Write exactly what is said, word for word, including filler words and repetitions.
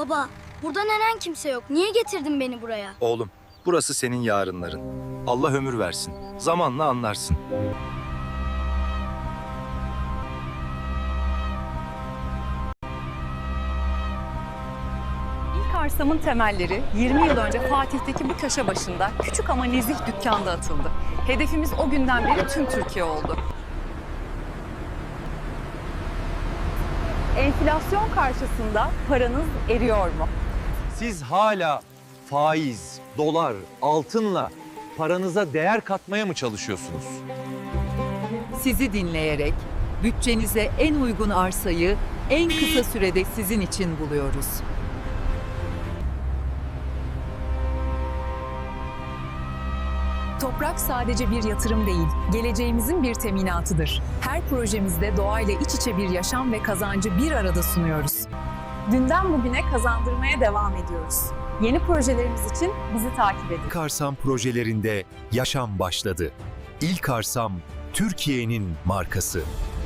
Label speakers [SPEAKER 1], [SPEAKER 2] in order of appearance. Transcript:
[SPEAKER 1] Baba, burada neden kimse yok? Niye getirdin beni buraya?
[SPEAKER 2] Oğlum, burası senin yarınların. Allah ömür versin. Zamanla anlarsın.
[SPEAKER 3] İlk arsamın temelleri yirmi yıl önce Fatih'teki bu köşe başında küçük ama nezih dükkanda atıldı. Hedefimiz o günden beri tüm Türkiye oldu. Enflasyon karşısında paranız eriyor mu?
[SPEAKER 4] Siz hala faiz, dolar, altınla paranıza değer katmaya mı çalışıyorsunuz?
[SPEAKER 5] Sizi dinleyerek bütçenize en uygun arsayı en kısa sürede sizin için buluyoruz.
[SPEAKER 6] Toprak sadece bir yatırım değil, geleceğimizin bir teminatıdır. Her projemizde doğayla iç içe bir yaşam ve kazancı bir arada sunuyoruz. Dünden bugüne kazandırmaya devam ediyoruz. Yeni projelerimiz için bizi takip edin.
[SPEAKER 7] İlk Arsam projelerinde yaşam başladı. İlk Arsam, Türkiye'nin markası.